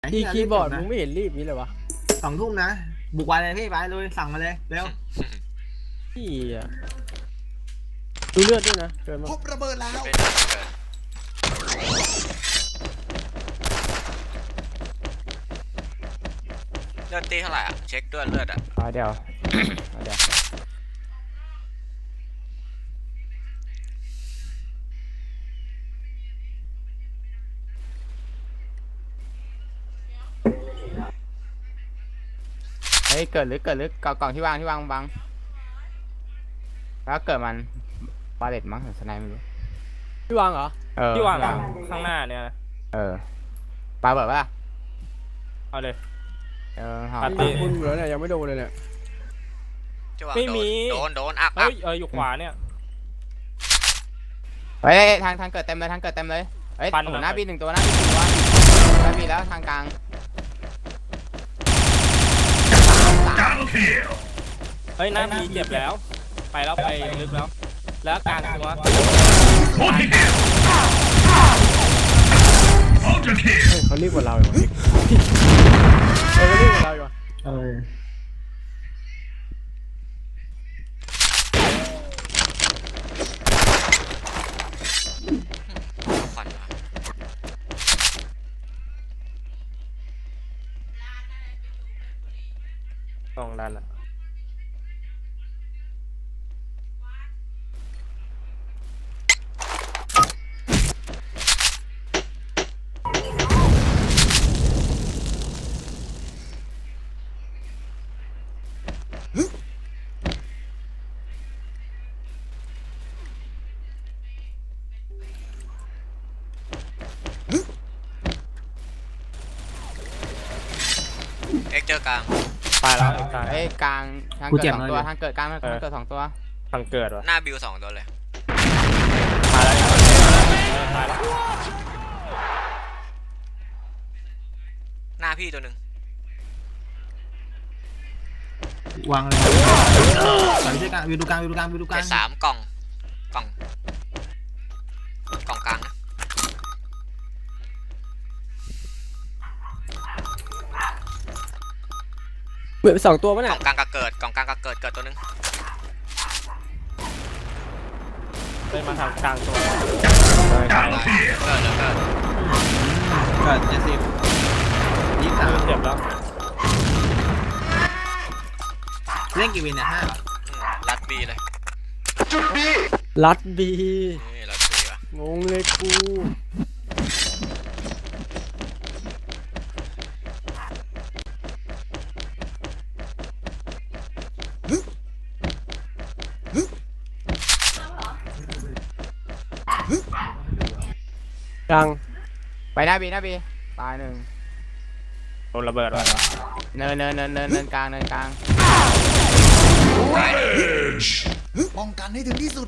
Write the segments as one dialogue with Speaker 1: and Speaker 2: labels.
Speaker 1: คีย์บอร์ดมึงไม่เห็นรีบนี้เลยวะ
Speaker 2: 2 ทุ่มนะบุกวันเลยพี่ไปเลยสั่งมาเลยเร็ว
Speaker 1: พี่อะดูเลือดด้วยนะเกินมา
Speaker 3: พบระเบิดแล้ว
Speaker 4: เป็นเกินเลือดตีเท่าไหร่อ่ะเช็คด้วยเลือดอ่ะ
Speaker 5: เดี๋ยวเดี๋ยวเฮ้ยเกิดลึกกล่องที่วางบังแล้วเกิดมันบาเลตมั้งหรือสไนไม่รู้
Speaker 1: พี่วางเหรอ
Speaker 6: ที่วางข้างหน้าเนี่ย
Speaker 5: ปาเบิดป่ะ
Speaker 6: เอาเลย
Speaker 1: ปาตีคุณอยู่แล้วเนี่ยยังไม่โดนเลยเนี่ย
Speaker 6: ไม่มี
Speaker 4: โดนอัก
Speaker 6: อยู่ขวาเนี่ย
Speaker 5: เฮ้ยทางเกิดเต็มเลยเฮ้ยหน้าบี1 ตัวหน้าบีแล้วทางกลาง
Speaker 6: เฮ้ยหน้ามีเจ็บแล้วไปลึกแล้วกลางตัว
Speaker 1: เขารีบกว่าเราอยู่เขารีบกว่าเราอยู่
Speaker 4: ฟันมา
Speaker 6: ตรงนั้นอ่ะ
Speaker 4: เจอกลาง
Speaker 6: ไปแล้ว
Speaker 5: เฮ้ยกลางทางเกิด2 ตัวทางเกิดกลางทางเกิด2 ตัว
Speaker 6: ทางเกิดวะ
Speaker 4: หน้าบิว2 ตัวเลย
Speaker 6: มาแล้ว
Speaker 4: หน้าพี่ตัวหนึ่ง
Speaker 2: วางเลยใส่ไปที่กลางวิวดูกลาง
Speaker 4: 3 กล่องกล่องกลางนะ
Speaker 1: เหมือน2 ตัวป่ะเนี่ย
Speaker 4: กล่องกลางก็เกิดตัวหนึ่ง
Speaker 6: ได้มาทางกลางตัว
Speaker 4: เกิด
Speaker 2: 70 23
Speaker 6: เจ็บแล้ว
Speaker 2: เล่นกี่วินเนี่ย5
Speaker 4: รัดบีเลย
Speaker 1: ลัดบี
Speaker 4: นี่รัดบีวะ
Speaker 1: งงเลยกูยัง
Speaker 5: ไปหน้าบีตาย1
Speaker 6: โดนระเบิดว่ะ
Speaker 5: เนินกลาง
Speaker 3: ป้องกันให้ถึงที่สุด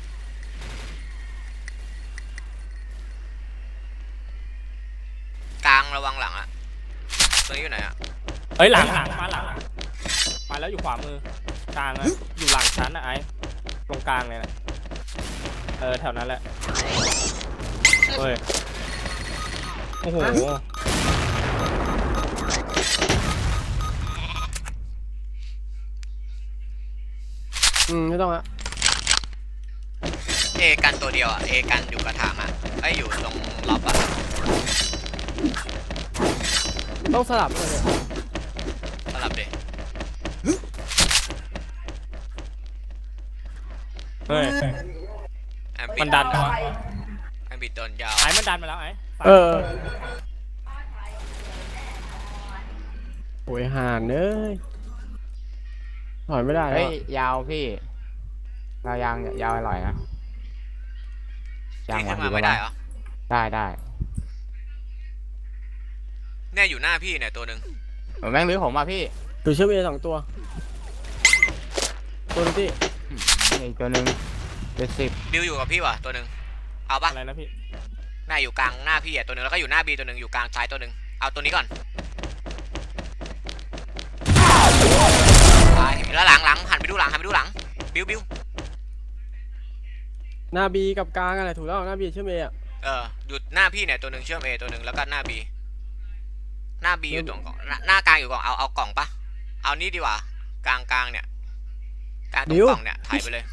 Speaker 4: กลางระวังหลังอ่ะตัวนี้อยู่ไหนอ่ะ
Speaker 6: เฮ้ยหลังมาแล้วอยู่ขวามือกลางเลยอยู่หลังชั้นนะไอ้ตรงกลางเลยนะแถวนั้นแหละเฮ้ยโอ้โห
Speaker 1: ไม่ต้องอะ
Speaker 4: กันตัวเดียวอ่ะกันอยู่กระถางอ่ะอยู่ตรงล็อบอ่ะ
Speaker 1: ต้องสลับเลย
Speaker 4: สลับดิ
Speaker 6: เฮ้ยมันดันวะ
Speaker 4: บิดโดนยาว
Speaker 6: ไอ้มันดันมาแล้วไอ้
Speaker 1: โอ้ยห่านเอ้ยถอยไม่ได้
Speaker 5: เฮ้ยยาวพี่เรายาวอร่อยนะ
Speaker 4: ยางขึ้นมาไม่ได้เหรอ
Speaker 5: ได้
Speaker 4: เนี่ยอยู่หน้าพี่เนี่ยตัวหนึ่ง
Speaker 5: แม่งลื้อผมมาพี่
Speaker 1: ตัวเชื่อม2 ตัวนึงที่
Speaker 5: อีกตัวนึง70
Speaker 4: บิวอยู่กับพี่วะตัวหนึ่งเอาปะ
Speaker 6: อะไรนะพี่
Speaker 4: หน้าอยู่กลางหน้าพี่ตัวหนึ่งแล้วก็อยู่หน้าบีตัวหนึ่งอยู่กลางซ้ายตัวหนึ่งเอาตัวนี้ก่อนแล้วหลังหันไปดูหลังบิว
Speaker 1: หน้าบีกับกลางอะไรถูกแล้วหน้าบีเชื่อมเออะ
Speaker 4: หยุดหน้าพี่เนี่ยตัวหนึ่งเชื่อมเอตัวหนึ่งแล้วก็หน้าบีหน้าบีอยู่ตรงกล่องหน้ากลางอยู่กล่องเอากล่องปะเอานี่ดีกว่ากลางเนี่ยกลางตรงกล่องเนี่ยถ่ายไปเลย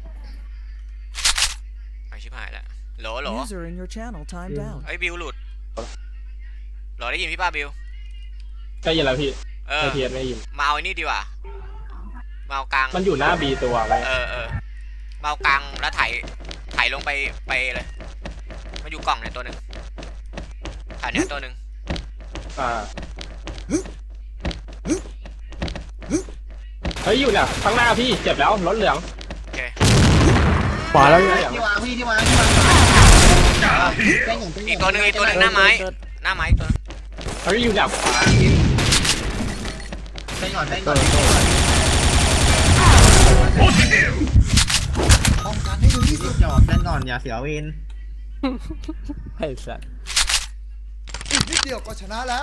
Speaker 4: ไปชิบหายแล้วโหล
Speaker 7: User in your channel timed out.
Speaker 4: ไอ้บิวหลุดโหลได้ยินพี่ป้าบิว
Speaker 6: ได้ยินแล้วพี่
Speaker 4: เออ
Speaker 6: ไอเทียนไม่ยิน
Speaker 4: มาเอาไอ้นี่ดีกว่ามาเอากลาง
Speaker 6: มันอยู่หน้าบีตัวไว้
Speaker 4: เออมาเอากลางแล้วถ่ายลงไปเลยมันอยู่กล่องเนี่ยตัวหนึ่งถ่ายเนี่ยตัวหนึ่ง
Speaker 6: เฮ้ยอยู่เนี่ยข้างหน้าพี่เจ็บแล้วรถเหลือง
Speaker 4: โอเค
Speaker 1: ขวาแล้ว
Speaker 2: ที่วางพี่ที่วางแป้งหนึ่ง
Speaker 4: อีกตัวหนึ่งหน้าไม้อีกตัวนึง
Speaker 6: เฮ้ยอยู่ดับขวา
Speaker 2: แป้งก่อนแป้งก่อน
Speaker 3: ป้องกันให้ถึงที่สุด
Speaker 2: จอดแป้งก่อนอย่าเสียเวร
Speaker 1: ไอ้สัส
Speaker 3: อีกนิดเดียวก็ชนะแล้ว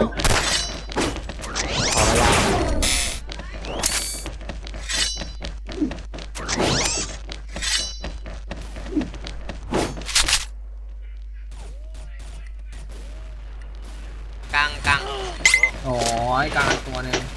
Speaker 4: กลาง
Speaker 2: โอ้ยกลางตัวนึง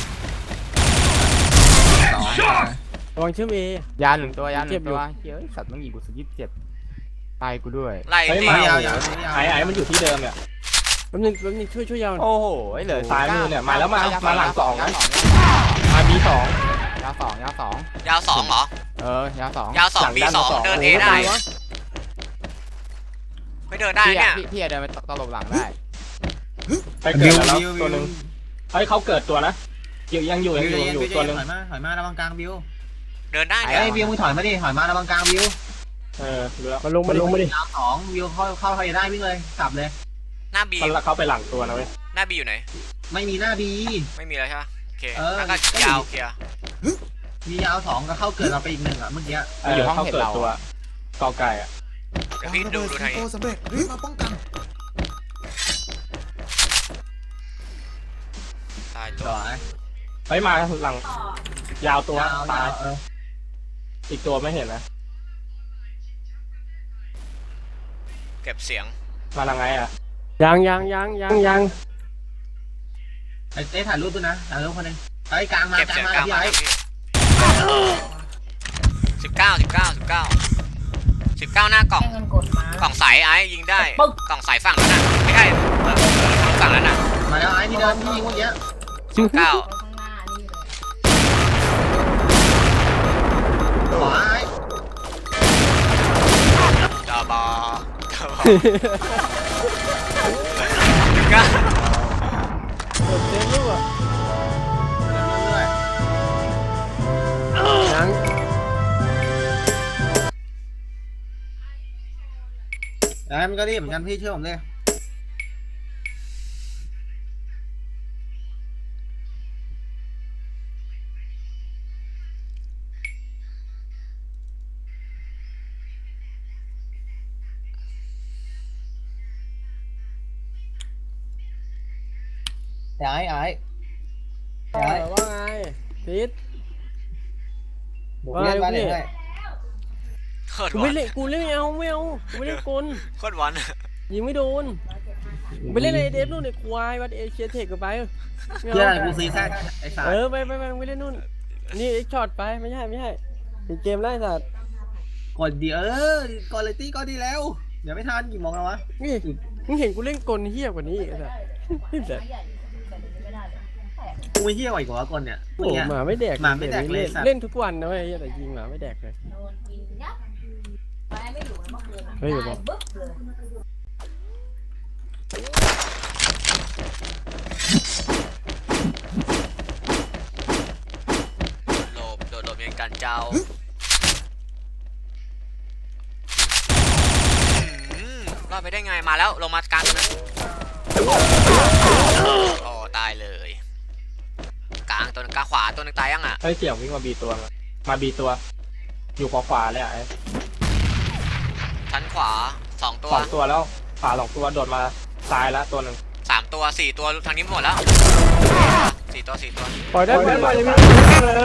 Speaker 2: สอง
Speaker 1: ระวังเชื่อมเอย
Speaker 5: าหนึ่งตัวยาห
Speaker 1: เจ็
Speaker 5: นึ่
Speaker 1: บ
Speaker 5: ง
Speaker 1: อยู่
Speaker 5: ตัวเฮ้ยสัตว์ต้องยิงกูสุด27ตายกูด้วย
Speaker 4: ไล่
Speaker 6: เฮ้ย
Speaker 4: ตี
Speaker 6: มา
Speaker 2: าว
Speaker 6: ไอ้มันอยู่ที่เดิมเนี่ย
Speaker 1: แป๊บนึงช่วยยาวหน่อย
Speaker 5: โอ้โหเหลือ
Speaker 6: ซ้ายมือเนี่ยมาแล้วมาหลังสอง
Speaker 5: ยา
Speaker 6: นะ
Speaker 5: สอง
Speaker 6: มาบีสอง
Speaker 5: ยาสอง
Speaker 4: ยาว2เหรอย
Speaker 5: าสอง
Speaker 4: ยาว2 B 2เดิน A ได้ไม่เดินได้เนี่ย
Speaker 5: พี่เดินไปตลบหลังได้
Speaker 6: ไปเกิดแล้วตัวหนึ่งเฮ้ยเขาเกิดตัวนะยังอยู่ตัวหนึ่ง
Speaker 2: ถอยมาระวังกลางบิว
Speaker 4: เดินได้
Speaker 2: ไอ้
Speaker 4: เนี่ย
Speaker 2: บิวมึงถอยมาดิถอยมาระวังกลางบิว
Speaker 6: เหลือ
Speaker 1: มาลงมาดิ
Speaker 2: ดาวสองบิวเข้าใครได้วิ่งเลยกลับเลย
Speaker 4: หน้า B
Speaker 6: เขาไปหลังตัวนะเว้ย
Speaker 4: หน้า B อยู่ไหน
Speaker 2: ไม่มีหน้าบี
Speaker 4: ไม่มีแล้วใช่ปะโอเค
Speaker 2: เออ
Speaker 4: แล้วก็ยาวเคลียร์
Speaker 2: มียาวสองก็เข้าเกิดเราไปอีกหนึ่งอ่ะเมื่อกี้
Speaker 6: เขาเกิดตัวกอไก่อะ
Speaker 4: เดี๋ยว
Speaker 3: วาง
Speaker 4: พี่
Speaker 3: ระ
Speaker 4: ดู
Speaker 3: เบิด
Speaker 4: ทาง
Speaker 3: ซีโฟ
Speaker 4: นี้
Speaker 3: สำเร็จรีบมาป้องกัน
Speaker 4: ตายตั
Speaker 2: ต่
Speaker 4: ว
Speaker 2: อไอ้
Speaker 6: เฮ้ยมาหลังยาวตัว
Speaker 2: ยาว
Speaker 6: ตาย
Speaker 2: เออ
Speaker 6: อีกตัวไม่เห็นนะ
Speaker 4: เก็บเสียง
Speaker 6: มาทางไงอ่ะ
Speaker 1: ยัง
Speaker 2: ไอ้ถ่ายรูปด้วยนะถ่ายรูปคนนึงไอ้กลางมา
Speaker 4: เก็บ
Speaker 2: กลา
Speaker 4: เสี
Speaker 2: ง
Speaker 4: ยง
Speaker 2: มาก
Speaker 4: ลาง
Speaker 2: พี่
Speaker 4: มา
Speaker 2: ไอ้
Speaker 4: พี่19หน้ากล่องกล่องใสไอ้ยิงได้กล่องใสฝั่งนั้นน่ะไม่ใช่ฝั่งนั้นน่ะ
Speaker 2: มาแล้วไอ้ที่เดินที่ยิงเมื่อกี้
Speaker 4: 19
Speaker 2: ขวาไอ้
Speaker 4: ดาบอ
Speaker 1: กดเซฟลูกอ่ะ
Speaker 2: เรื่อย
Speaker 1: ยัง
Speaker 2: ๆไอ้มันก็รีบเหมือนกันพี่เชื่อผมเลยไอ้
Speaker 1: ว่าไงพีท
Speaker 2: บุกเล่นบ้านเลย
Speaker 4: โคตร
Speaker 1: กู
Speaker 4: หวา
Speaker 1: ไม่
Speaker 4: น
Speaker 1: เล่นกูเล่นไม่เอากูไม่เล่นกล
Speaker 4: โคตรหวาน
Speaker 1: ยิงไม่โดนไปเล่นไอเดฟนู่นไอ้ควายวัดเอเชียเทคกับไปไม่
Speaker 2: เพื่อ
Speaker 1: เอา
Speaker 2: อะไรกูซีแซดไอ้สาย
Speaker 1: ไปไม่เล่นนู่นนี่ไอ้ช็อตไปไม่ใช่ปิดเกมไล่สัตว์
Speaker 2: กดดีกดเลยตี้ก็ดีแล้วเดี๋ยวไม่ทันกี่โมงแล้ววะ
Speaker 1: นี่มึงเห็นกูเล่นกลเฮี้ยกว่านี้อีกไอ้สัตว์ไอ้สัตว์
Speaker 2: กูไม่เที่ยวอีกว่ากดเนี่ย
Speaker 1: โอ้หมาไม่แดก
Speaker 2: หมาไม่แดกเลยสัตว์
Speaker 1: เล่นทุกวันนะเว้ยแต่ยิงหมาไม่แดกเลยเฮ้ยบอก
Speaker 4: โดดหลบยังกันเจ้ารอดไปได้ไงมาแล้วลงมากลางนะโอ้ตายเลยกลางตัวนึงกลางขวาตัวนึงตายยังอ่ะ
Speaker 6: เฮ้ยเสี่ยงวิ่งมาบีตัวมาบีตัว อยู่ขวาเลยอ่ะ
Speaker 4: ชั้นขวา2ตัว
Speaker 6: 2 ตัวแล้วขวา2 ตัวโดดมาซ้ายแล้วตัวหนึ่ง
Speaker 4: 3ตัว4ตัวทางนี้หมดแล้ว4ตัว
Speaker 1: ปล่อยได้ปล่อยได้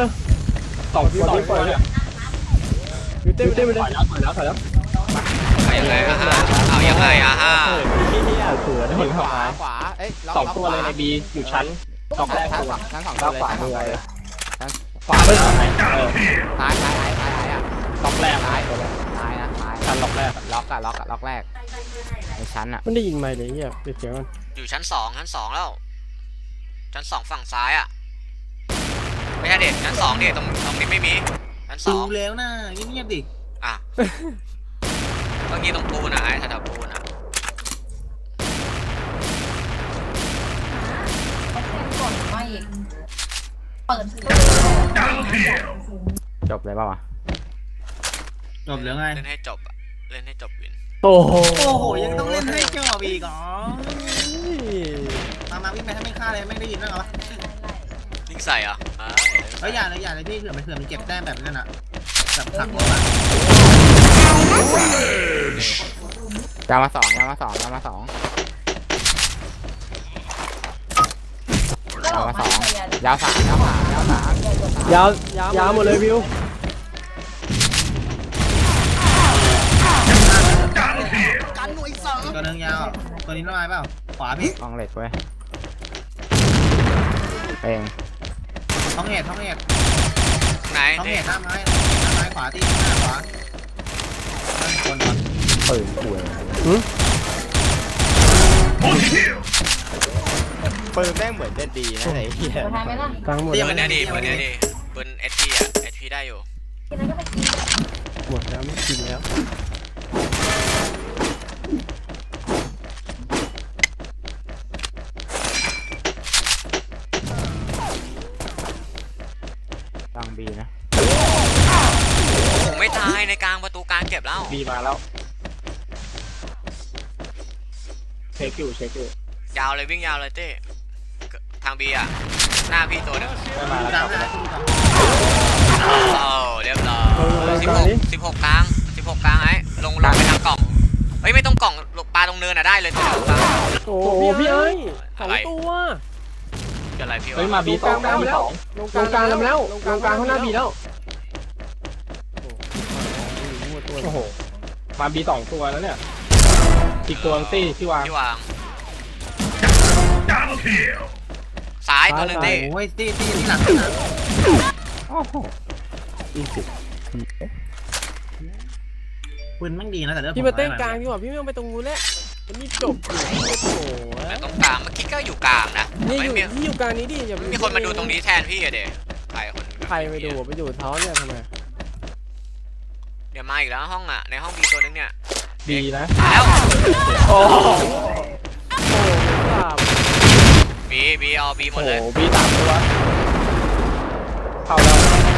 Speaker 6: 2 ตัวปล่อยเนี่ย
Speaker 1: อยู่เต้นไปเลย
Speaker 6: ถอยแล้ว
Speaker 4: เอายังไงอ่ะฮะเอายังไงอ่ะฮะ
Speaker 6: เผื่อได้
Speaker 5: ข
Speaker 6: เห็น
Speaker 5: วา
Speaker 6: เข้ามา
Speaker 5: ขวาเอ้ยล็อก
Speaker 6: สอง
Speaker 5: ล็อก
Speaker 6: ตัว
Speaker 5: ขวา
Speaker 6: เลยในบีอยู่ชั้นล็อกแรก
Speaker 5: ชั้น
Speaker 6: ตัว
Speaker 5: ชั้นสองตัวเลย
Speaker 6: ขวา
Speaker 5: ชั้นส
Speaker 6: มื
Speaker 5: อง
Speaker 6: อ
Speaker 5: ตัวเลย
Speaker 6: ขวามือเออ
Speaker 5: ซ้ายอ่ะ
Speaker 6: ล็อกแรกซ้ายตัวแรก
Speaker 5: ซ้ายนะซ้าย
Speaker 6: ชั้นล็อกแรก
Speaker 5: ล็อกแรกในชั้นอ่ะ
Speaker 1: มันได้ยินไหมเลยเฮียปิดเสียงมัน
Speaker 4: อยู่ชั้นสองแล้วชั้นสองฝั่งซ้ายอ่ะไม่ใช่เด็กชั้นสองเด็กตรงนี้ไม่มีชั้นส
Speaker 2: ดู
Speaker 4: อง
Speaker 2: แล้วนะเงียบๆดิ
Speaker 4: อ่ะเมื่อกี้ตรงปูนอ่ะไอ้แถวๆปูนอ่ะ
Speaker 8: ก่อนมาอีกเปิด
Speaker 5: จบเลยป่าวะ
Speaker 2: จบแล้วไง
Speaker 4: เล่นให้จบอ่ะเล่นให้จบวิน
Speaker 1: โอ้โห
Speaker 2: โอ้โหยังต้องเล่นให้จบอีกเหรอมาวิ่งไปถ้าไม่ฆ่าเลยไม่ได้ยินบ้างเหรอ
Speaker 4: ยิงใส่เหรอ่ะ
Speaker 2: เฮ้ยอย่าเลยพี่เผื่อมันเก็บแต้มแบบนั้นอ่ะแบบขังรถอ่ะ
Speaker 5: ยาวมาสองยาวสาม
Speaker 1: ยาวหมดเลยวิว
Speaker 3: กันหน่วยเสริม
Speaker 2: ตัวนึงยาวตัวนี้น้อยเปล่าขวาพี่
Speaker 5: กองเหล็กเว้ยเอง
Speaker 2: ท้องเหตุ
Speaker 4: ไหน
Speaker 2: ท้อง
Speaker 4: นี่
Speaker 2: เหตุหน้าไม้ขวาที่หน้าขวาคน
Speaker 5: ปืนป่วยปืนแม่งเหมือนจะดีนะไอ้เหี้ย
Speaker 8: เปิดทายไหมล่ะ
Speaker 1: ตังค์หมด
Speaker 4: ปื
Speaker 1: แล้ว
Speaker 4: นเนี่ยดิปืนเอสพีอ่ะเอสพีได้อยู่
Speaker 8: กินแล้วก็ไปกิน
Speaker 1: หมดแล้วไม่กินแล้ว
Speaker 5: ตังบีนะ
Speaker 4: ผมไม่ตายในกลางประตูกลางเก็บแล้ว
Speaker 6: บีมาแล้วเช็คอยู่
Speaker 4: ยาวเลยวิ่งยาวเลยเต้ทางบีอ่ะหน้าพี่ตัวนึง
Speaker 6: ได้มาแล้ว
Speaker 2: กลาง
Speaker 6: ครับ
Speaker 2: หน้า
Speaker 4: โอ้เรียบร้อย16กลางไอ้ลงไปทางกล่องเฮ้ยไม่ต้องกล่องปลาตรงเนินอ่ะได้เลยตัวเดียวกลาง
Speaker 1: โอ้โหพี่เอ้ยสองตัว
Speaker 4: จะอะไรพี่
Speaker 6: เฮ้ยว
Speaker 4: ะ
Speaker 6: มาบีสองมาบีสอง
Speaker 1: ลงกลางแล้วลงกลางข้างหน้าบีแล้ว
Speaker 6: โอ้โหมาบีสองตัวแล้วเนี่ยอีกตัวตี้ที่วาง
Speaker 4: ที่วางซ้ายตัวนึงเต้
Speaker 2: โอ้ยตีที่หลังนะ
Speaker 5: โอ้โห20
Speaker 2: ปืนมันดีนะแต่เรื่อง
Speaker 1: พี่มาเต้นกลางดีกว่าพี่ไม่ต้องไปตรงนู้นแล้วมันนี่จบอยู่โอ้โห
Speaker 4: แต่ตรงกลางเมื่อกี้ก็อยู่กลางนะ
Speaker 1: นี่
Speaker 4: ไม่
Speaker 1: อยู่
Speaker 4: มี
Speaker 1: ที่อยู่กลางนี้ดิอย่า
Speaker 4: มีคนมาดูตรงนี้แทนพี่อะเด็กใครคน
Speaker 1: ใครไปดูไปอยู่เท้าเนี่ยทำไม
Speaker 4: เดี๋ยวมาอีกแล้วห้องอ่ะในห้องบีตัวนึงเนี่ย
Speaker 6: ดีนะ
Speaker 4: มาแล้ว
Speaker 1: โอ้โหครับ
Speaker 4: บีเอาบีหม
Speaker 6: โอ้
Speaker 4: ด
Speaker 6: โห
Speaker 4: เลย
Speaker 6: บีสามตัวเข้าแล้ว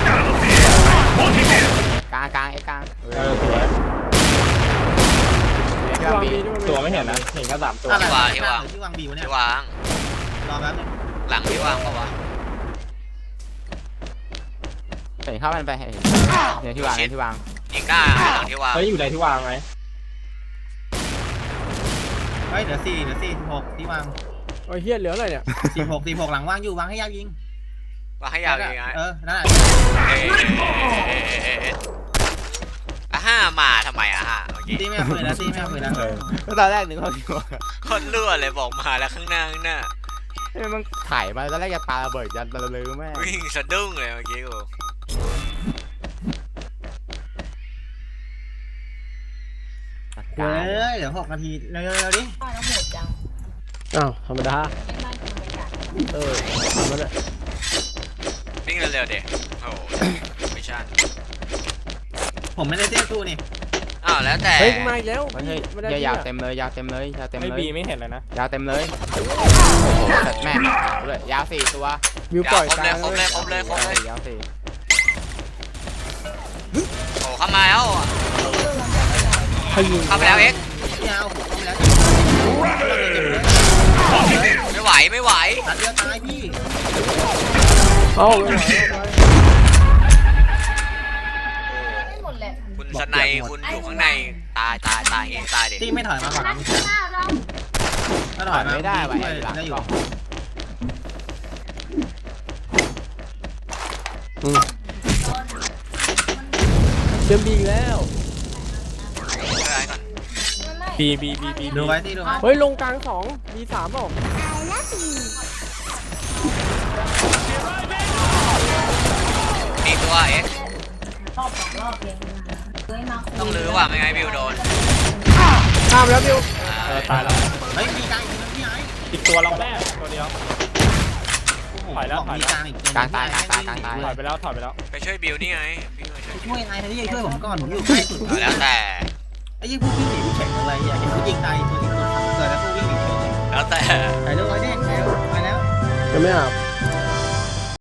Speaker 5: กลางไอ้กลาง
Speaker 6: เออสวย
Speaker 5: ที่วางบี
Speaker 6: ตัวไม่เห็นนะเห็นแค่สามตัว
Speaker 2: ที่วางบีวะเนี่ย
Speaker 4: ที่วาง
Speaker 2: รอแป๊บนึง
Speaker 4: หลังที่วางเปล่าวะ
Speaker 5: เห็นเข้ามันไปเห็นเนี่ยที่วางเนี่ยที่วาง
Speaker 4: ยิงกล้าหลังที่วาง
Speaker 6: เฮ้ยอยู่ในที่วางไหม
Speaker 2: เฮ้ยเดี๋ยว16ที่วาง
Speaker 1: โอ้ยเฮียเหลืออะไรเนี่ย
Speaker 2: 16หลังว่างอยู่วางให้ยาวยิง
Speaker 4: วางให้ยาวยังไง
Speaker 2: นั่นแหละ
Speaker 4: ห้ามาทำไมอะฮะเมื่อกี้
Speaker 2: ตีไม่เอาปืนนะตีไม่เอาปืนนะ
Speaker 5: ตอนแรกนึกว่าพี่ว่า
Speaker 4: คนรั่วเลยบอกมาแล้วข้างหน้า
Speaker 5: มันถ่ายมาตอนแรกจะปาระเบิดยันระลือแม่
Speaker 4: วิ่งสะดุ้งเลยเมื่อกี้กู
Speaker 2: เฮ้ยเดี๋ยว6 นาทีเร็วดิ
Speaker 8: ป้าแล้วหมดจัง
Speaker 1: อ้าวธรรมดา
Speaker 8: ไม่ได้กินไปกัด
Speaker 1: ทำมาเลย
Speaker 4: วิ่งเร็วๆเด็กโอ้โหไม่ใช่
Speaker 2: ผมไม่ได้เต้นสู้นี่
Speaker 4: อ้าวแล้วแต่
Speaker 1: เฮ้ยมาอีกแล้ว
Speaker 5: เฮ้ยยาวเต็มเลยยาวเต็มเลย
Speaker 6: ไอ้บีไม่เห็นเลยนะ
Speaker 5: ยาวเต็มเลยโอ้โหแม่เลยยาว4ตัว
Speaker 1: วิวปล่อย
Speaker 4: ครบ
Speaker 1: ก
Speaker 4: เล
Speaker 1: ลาย ง
Speaker 4: ครบเลยครบเลยครบเลย
Speaker 5: ยาว4
Speaker 4: โอ้เข้ามาแล้ว
Speaker 1: พยิง
Speaker 4: เข้าไปแล้วเอ็ก
Speaker 2: ยาวผมเข้าไปแล้ว
Speaker 4: ไม่ไหว
Speaker 2: ตัดเดียวตายพี่
Speaker 1: เอ้าไม่ไหว
Speaker 8: ไม่หมดแหละ
Speaker 4: คุณสนัยคุณอยู่ข้างในตายเองตายเด็ก
Speaker 2: ตีไม่ถอยมาก่อนนะ ถ้าถ
Speaker 5: ถ
Speaker 2: อ
Speaker 5: อย ย
Speaker 2: มา
Speaker 5: ไม่ได้ว่ะ
Speaker 2: ได้
Speaker 5: หลัง
Speaker 2: อก ยู่
Speaker 5: ล่อง
Speaker 1: เชื่อมบีอีกแล้ว
Speaker 4: อะไรก่อน
Speaker 6: บี
Speaker 2: ดูไว้ที่ดูไว้
Speaker 1: เฮ้ยลงกลางสองมีสามเปล่า
Speaker 4: มีตัวเอ็ก
Speaker 8: รอบ2 รอบเองเฮ้ยมา
Speaker 4: ต้องลื้อว่ะไม่งั้นบิวโดน
Speaker 1: ข้ามแล้วบิว
Speaker 6: ตายแล้ว
Speaker 2: เฮ้ยมีกลางอีกนะพี่ไอ้
Speaker 6: อีกตัวเราแม่ตัวเดียว ถอยแล้ว
Speaker 2: มีกลางอีกตัว
Speaker 5: กลางตายกลางตายกลางตาย
Speaker 6: ถอยไปแล้ว
Speaker 4: ไปช่วยบิวนี่ไงพี่มาช่วย
Speaker 2: ช่วยไอ้ที่ช่วยผมก่อนผมอยู่ใกล้สุด
Speaker 4: แล้วแต่
Speaker 2: ไอ้ยิ่งพวกวิ่งหนีเฉยอะไรอย่างเห็นเขายิงตายตัวอีกตัวเกิดแล้วพวกวิ่งหนีเฉย
Speaker 4: แล้วแต่
Speaker 2: ถ่ายรูปไว้ดิแล้วไปแล้ว
Speaker 1: ยังไม่อาบ